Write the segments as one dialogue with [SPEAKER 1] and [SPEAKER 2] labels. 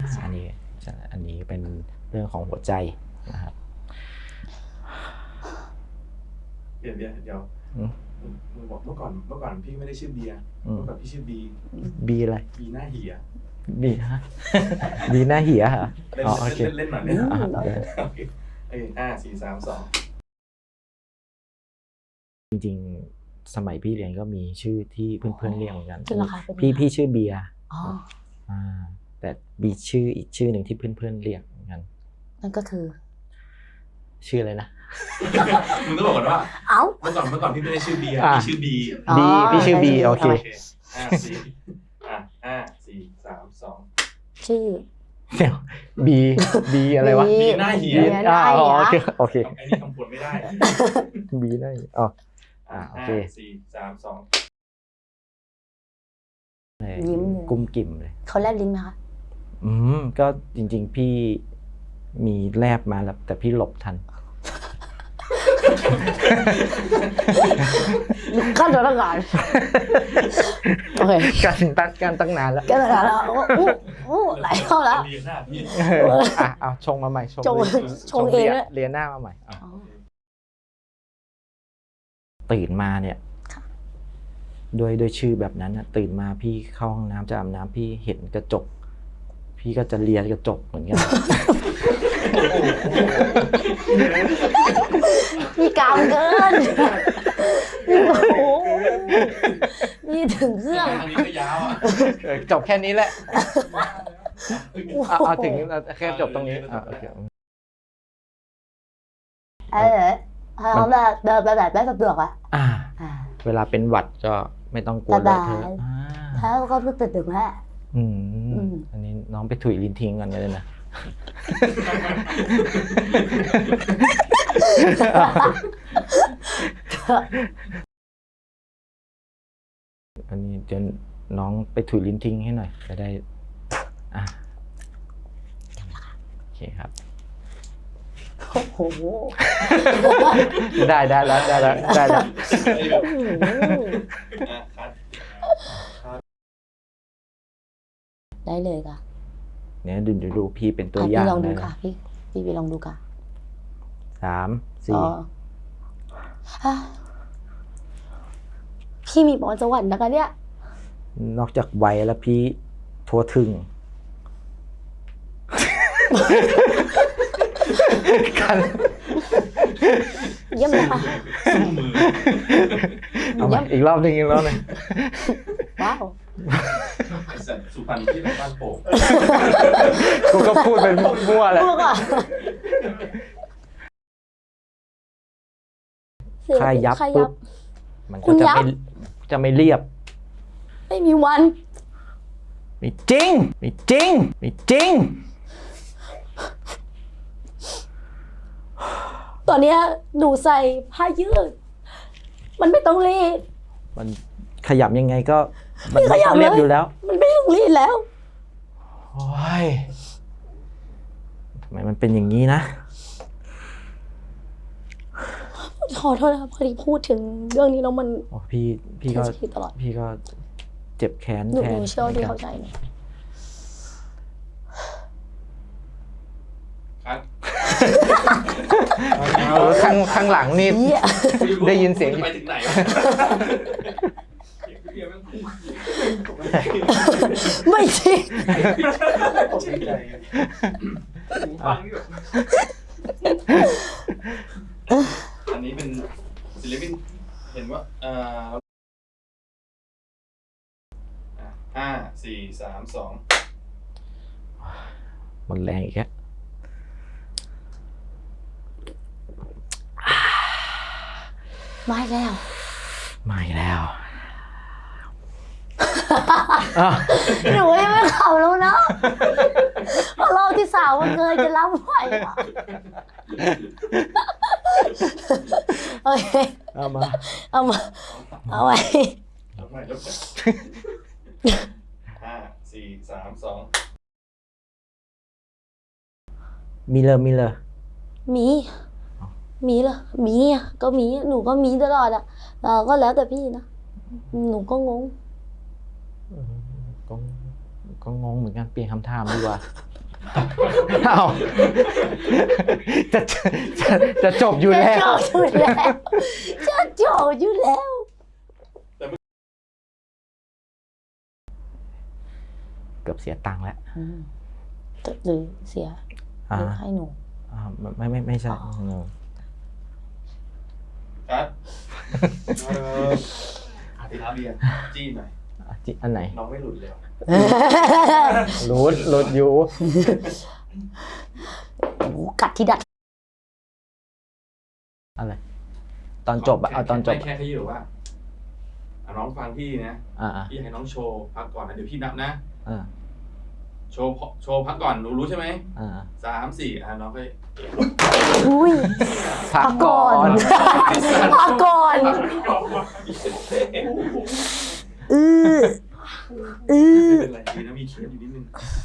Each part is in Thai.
[SPEAKER 1] อันนี้เป็นเรื่องของหัวใจนะครับ
[SPEAKER 2] เดี๋ยวมึงบอกเมื่อก่อนพี่ไม่ได้ชื่อเบียร์เมื่อก่อนพี่ชื่อบี
[SPEAKER 1] อะไร
[SPEAKER 2] บีหน้าเหีย
[SPEAKER 1] บีฮะบีหน้าเหียเหรออ๋อโอเค
[SPEAKER 2] เล่นหน่อยโอเค4 3 2
[SPEAKER 1] จริงๆสมัยพี่เรียนก็มีชื่อที่เพื่อนๆเรียกเหมือนกันพี่ชื่อเบียร์แต่มีชื่ออีกชื่อหนึ่งที่เพื่อนๆเรียกเหมือนกัน
[SPEAKER 3] นั่นก็คือ
[SPEAKER 1] ชื่ออะไรนะ
[SPEAKER 2] มึงต้องบอกก่อนว่าเมื่อก่อนพี่ไม่ได้ชื่อเบียร์พี่ชื่อบี
[SPEAKER 1] พี่ชื่อบีโอเค
[SPEAKER 2] 4 3 2
[SPEAKER 3] ชื่อ
[SPEAKER 1] เดี๋ยวบีอะไรวะ
[SPEAKER 2] บีหน้าเหีย
[SPEAKER 1] โอเค
[SPEAKER 2] ไอ้นี่คำพูดไม่ได้
[SPEAKER 1] บีหน้าอ๋อโอเค
[SPEAKER 2] 4 3 2
[SPEAKER 3] ยิ้ม
[SPEAKER 1] กุ้มกิ่มเลย
[SPEAKER 3] เขาแลบลิ้นไหมคะ
[SPEAKER 1] ก็จริงๆพี่มีแลบมาแล้วแต่พี่หลบทัน
[SPEAKER 3] ขั้นตอนตั้งนานโอเค
[SPEAKER 1] การตั้งนานแล้ว
[SPEAKER 3] ไหลเข้าแล้ว
[SPEAKER 1] เอาชงมาใหม่
[SPEAKER 3] ชงเอง
[SPEAKER 1] เรียนหน้ามาใหม่ตื่นมาเนี่ยโดยชื่อแบบนั้นตื่นมาพี่เข้าห้องน้ำจะอาบน้ำพี่เห็นกระจกพี่ก็จะเลียกระจกเหมือนกัน
[SPEAKER 3] พี่กาวเกินนี่ถึงเครื่อง
[SPEAKER 2] นี้ก็ยาว
[SPEAKER 1] จบแค่นี้แหละเอาถึงแค่จบตรงนี้โอเค
[SPEAKER 3] เขาแบบเดินไปแบบได้สะดวก
[SPEAKER 1] เวลาเป็นหวัดก็ไม่ต้องกลัวเลยเธอ
[SPEAKER 3] ถ้าก็เพิ่งตื่นแค่
[SPEAKER 1] อันนี้น้องไปถุยลิ้นทิ้งกันเลยนะอันนี้เดี๋ยวน้องไปถุยลิ้นทิ้งให้หน่อยจะได้โอเคครับ
[SPEAKER 3] โอ้โห
[SPEAKER 1] ได้แล้ว
[SPEAKER 3] ได้เลยค่ะ
[SPEAKER 1] เนี่ยดูพี่เป็นตัวอย่าง
[SPEAKER 3] พี่ลองดูค่ะพี่ไปลองดูค่ะ
[SPEAKER 1] 3 4
[SPEAKER 3] พี่มีพรสวรรค์นะคะเนี่ย
[SPEAKER 1] นอกจากไวแล้วพี่ทั่วถึงกัน
[SPEAKER 3] เยี่ยมเลยค่ะ
[SPEAKER 1] อีกรอบหนึ่ง
[SPEAKER 3] ว้าว
[SPEAKER 2] สุพรรณที่บ้านโป่ง
[SPEAKER 1] กูก็พูดเป็นมั่วแหละค่ายับปุ๊บมันก็จะไม่เรียบ
[SPEAKER 3] ไม่มีวัน
[SPEAKER 1] ไม่จริง
[SPEAKER 3] ตอนนี้หนูใส่ผ้ายืดมันไม่ต้องรีด
[SPEAKER 1] มันขยับยังไงก็มันไม่ต้องเรียบอยู่แล้ว
[SPEAKER 3] มันไม่ต้องรีดแล้ว
[SPEAKER 1] โอ้ยทำไมมันเป็นอย่างนี้นะ
[SPEAKER 3] ขอโทษนะครับพอดีพูดถึงเรื่องนี้แล้วมัน
[SPEAKER 1] พี่ก็เจ็บแค้น
[SPEAKER 3] หนูเชื่อที่เข้าใจนะ
[SPEAKER 1] ข้างหลังนี่ได้ยินเสียง
[SPEAKER 2] ไปถึงไหน
[SPEAKER 3] ไม่จริง
[SPEAKER 2] อันนี้เป็นศิลปินเห็นว่า5 4 3 2
[SPEAKER 1] มันแรงอีกแล้ว
[SPEAKER 3] ไม่แล้วหนูยังไม่ขับแล้วนะเพราะรอบที่3มันเคยจะรับไหวโอเค
[SPEAKER 1] เอาไว้
[SPEAKER 2] 5 4 3 2
[SPEAKER 1] มีเลย
[SPEAKER 3] มีเหรอมีอ่ะก็มีหนูก็มีตลอดอ่ะก็แล้วแต่พี่นะหนูก็งง
[SPEAKER 1] ก็งงเหมือนกันเปลี่ยนคำถามดีกว่าเอาจะจะจบอยู่แล้ว
[SPEAKER 3] จะจบอยู่แล้ว
[SPEAKER 1] เกือบเสียตังค์แล้ว
[SPEAKER 3] หรือเสียหรือให้หนู
[SPEAKER 1] ไม่ใช่
[SPEAKER 2] ครับอาทิตย์เบียร์จี้หน่อย
[SPEAKER 1] อันไหน
[SPEAKER 2] น้องไม่หลุดเลย
[SPEAKER 1] หลุดอยู่
[SPEAKER 3] กัดที่ดัด
[SPEAKER 1] อะไร ตอนจบอะเอาตอนจบ
[SPEAKER 2] แค่ที่บอกว่าน้องฟังพี่นะพี่ให้น้องโชว์พักก่อนนะเดี๋ยวพี่นับนะโชว์พักก่อนรู้ใช่ไหม3 4น้องก็
[SPEAKER 3] อุ้ย
[SPEAKER 1] พักก่อน
[SPEAKER 3] พักก่อน
[SPEAKER 2] ไม่เป็นไรดีนะมีเคสอยู่นิดนึง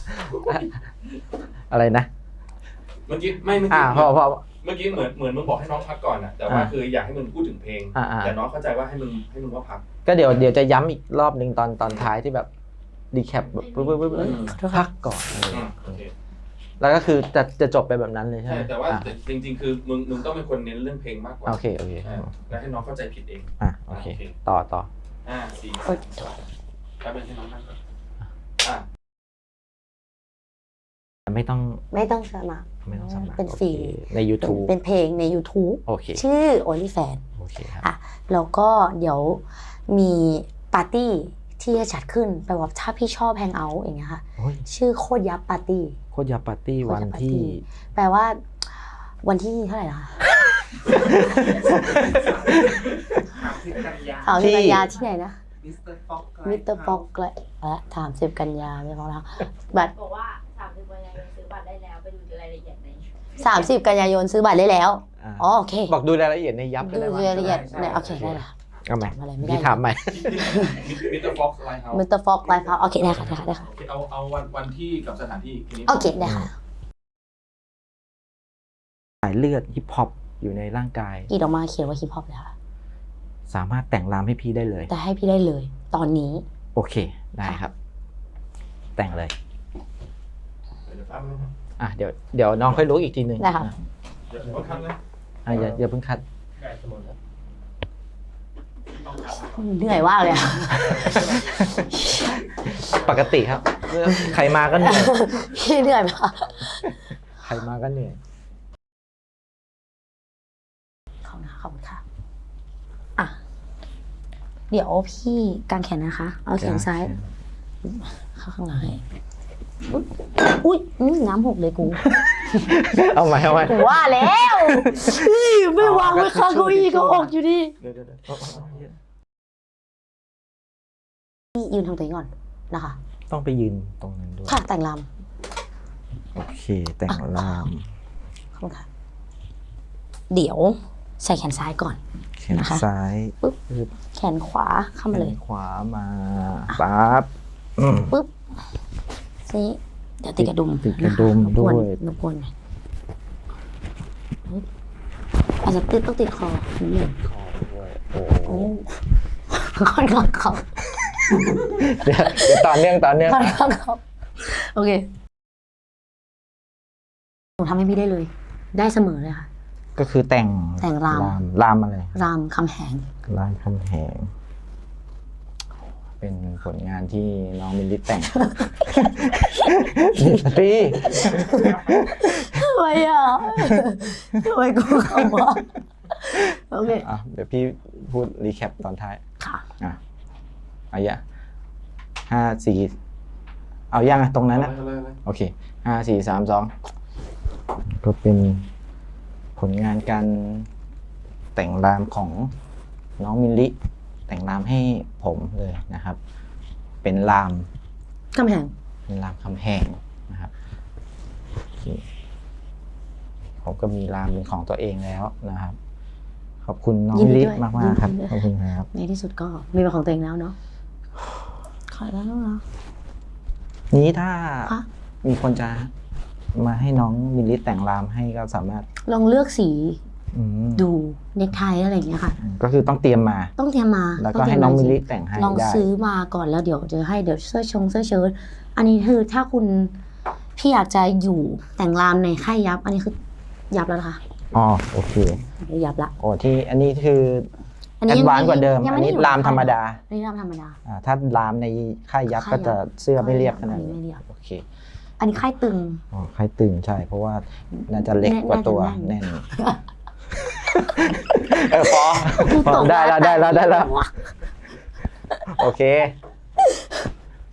[SPEAKER 1] อะไรนะ
[SPEAKER 2] เมื่อกี้ไม่เมื่อ
[SPEAKER 1] พอ
[SPEAKER 2] เมื่อกี้เหมือนมึงบอกให้น้องพักก่อนนะแต่ว่าคืออยากให้มึงพูดถึงเพลงแต่น้องเข้าใจว่าให้มึงว่าพัก
[SPEAKER 1] ก็เดี๋ยวจะย้ำอีกรอบนึงตอนท้ายที่แบบดีแคปแบบปึ๊บพักก่อนแล้วก็คือจะจบไปแบบนั้นเลยใช่ไหม
[SPEAKER 2] แต่ว่าจริงๆคือมึงต้องเป็นคนเน้นเรื่องเพลงมากกว่า
[SPEAKER 1] โอเค
[SPEAKER 2] แล้วให้น้องเข้าใจผิดเอง
[SPEAKER 1] โอเคต่อ
[SPEAKER 2] 4แป๊บนึงให้น้องนั่งก่อน
[SPEAKER 1] ไม่ต้อง
[SPEAKER 3] สมัคร
[SPEAKER 1] เป็นฟรีใน YouTube
[SPEAKER 3] เป็นเพลงใน YouTube
[SPEAKER 1] โอเค
[SPEAKER 3] ชื่อ OnlyFans
[SPEAKER 1] โอเคครับ
[SPEAKER 3] แล้วก็เดี๋ยวมีปาร์ตี้ที่จะจัดขึ้นแปลว่าถ้าพี่ชอบแฮงเอาท์อย่างเงี้ยค่ะชื่อโคตรยับปาร์ตี้
[SPEAKER 1] วันที่
[SPEAKER 3] แปลว่าวันที่เท่าไหร่นะคะ30 กันยาที่ไหนนะมิสเตอร์ฟ็อกและ30 กันยาไม่พอแล้วบัตรบอกว่า30 กันยายนซื้อบัตรได้แล้วไปดูรายละเอียดใน30 กันยายนซื้อบัตรได้แล้วโอเค
[SPEAKER 1] บอกดูรายละเอียดในยับ
[SPEAKER 3] ดูรายละเอียดโอเคได้ละ
[SPEAKER 1] เอาใหม่พี่ถามใหม่
[SPEAKER 2] มิสเตอร์ฟ็อกไลฟ์เฮาส์
[SPEAKER 3] โอเคได้ค่ะ
[SPEAKER 2] เอาวันที่กับสถานที่
[SPEAKER 3] โอเคได้ค่ะ
[SPEAKER 1] สายเลือดฮิปฮอปอยู่ในร่างกาย
[SPEAKER 3] กีดออกมาเขียนว่าฮิปฮอปเลยค่ะ
[SPEAKER 1] สามารถแต่งรามให้พี่ได้เลย
[SPEAKER 3] แต่ให้พี่ได้เลยตอนนี้
[SPEAKER 1] โอเคได้ครับแต่งเลยเดี๋ยวน้องค่อยรู้อีกทีนึง
[SPEAKER 3] ได้ค่ะ
[SPEAKER 2] เดี๋ยวคัดนะ
[SPEAKER 1] อย่าเพิ่งคัด
[SPEAKER 3] เหนื่อยมากเลย
[SPEAKER 1] ปกติครับใครมาก็เหนื่อย
[SPEAKER 3] พี่เหนื่อยปะ
[SPEAKER 1] ใครมาก็เหนื่อย
[SPEAKER 3] ขอบคุณค่ะเดี๋ยวพี่กางแขนนะคะเอาแขนซ้ายเข้าข้างหลังอุ้ยน้ำหกเลยกู
[SPEAKER 1] เอาใหม่
[SPEAKER 3] กูว่าแล้วไม่วางไว้ข้างเก้าอี้ก็ออกอยู่ดียืนทางตัวเองก่อนนะคะ
[SPEAKER 1] ต้องไปยืนตรงนั้นด้วย
[SPEAKER 3] ค่ะแต่งร
[SPEAKER 1] ำโอเคแต่งรำ
[SPEAKER 3] ขอบคุณค่ะเดี๋ยวใส่แขนซ้ายก่อน
[SPEAKER 1] แขนซ้าย
[SPEAKER 3] ปึ๊บแขนขวาเข้ามาเลย
[SPEAKER 1] แขนขวามาปั๊บ
[SPEAKER 3] ปึ๊บนี่เดี๋ยวติดกระดุม
[SPEAKER 1] ด้วย
[SPEAKER 3] รบกวนอาจจะต้องติดคอนิดนึง
[SPEAKER 1] คอด้วย
[SPEAKER 3] โอ้ค่อนข้างเขา
[SPEAKER 1] เดี๋ยวต่อเนื่อง
[SPEAKER 3] ค่อนข้างเขาโอเคหนูทำให้พี่ได้เลยได้เสมอเลยค่ะ
[SPEAKER 1] ก็คือแต่งรามอะไร
[SPEAKER 3] รามคำแหง
[SPEAKER 1] เป็นผลงานที่น้องมิลลิแต่งพี่
[SPEAKER 3] ทำไมกูคำว่าโอเค
[SPEAKER 1] เดี๋ยวพี่พูดรีแคปตอนท้าย
[SPEAKER 3] ค่ะ
[SPEAKER 1] เอาอย่า5 4เอายังตรงนั้นนะโอเค5 4 3 2ก็เป็นผลงานการแต่งรามของน้องมิลลิแต่งรามให้ผมเลยนะครับเป็นราม
[SPEAKER 3] คำแหง
[SPEAKER 1] นะครับผมก็มีรามเป็นของตัวเองแล้วนะครับขอบคุณน้องมิลลิมากๆครับขอบคุณครับ
[SPEAKER 3] ในที่สุดก็มีเป็นของตัวเองแล้วเนาะขอแล้วเนาะ
[SPEAKER 1] นี้ถ้ามีคนจะมาให้น้องมิลลิแต่งรามให้ก็สามารถ
[SPEAKER 3] ลองเลือกสีดูเนคไทอะไรอย่างเงี้ยค่ะ
[SPEAKER 1] ก็คือต้องเตรียมมาแล้วก็ให้น้องมิลลิแต่งให้
[SPEAKER 3] ลองซื้อมาก่อนแล้วเดี๋ยวจะให้เสื้อเชิ้ตอันนี้คือถ้าคุณพี่อยากจะอยู่แต่งรามในค่ายยับ อันนี้คือยับแล้วนะคะ
[SPEAKER 1] อ๋อโอเค
[SPEAKER 3] ยับละ
[SPEAKER 1] โอ้ที่อันนี้คือแอดวานซ์กว่าเดิม อันนี้รามธรรมดา
[SPEAKER 3] อันนี้รามธรรมดา
[SPEAKER 1] ถ้ารามในค่ายยับก็จะเสื้อไม่เรียบขนาด
[SPEAKER 3] ไม่
[SPEAKER 1] นี้
[SPEAKER 3] เรียบ
[SPEAKER 1] โอเค
[SPEAKER 3] อันนี้ค่ายตึง
[SPEAKER 1] อ๋อค่ายตึงใช่ เพราะว่าน่าจะเล็กกว่าตัว
[SPEAKER 3] น่าจะแน่
[SPEAKER 1] แน่
[SPEAKER 3] น
[SPEAKER 1] นพอได้แล้วโอเค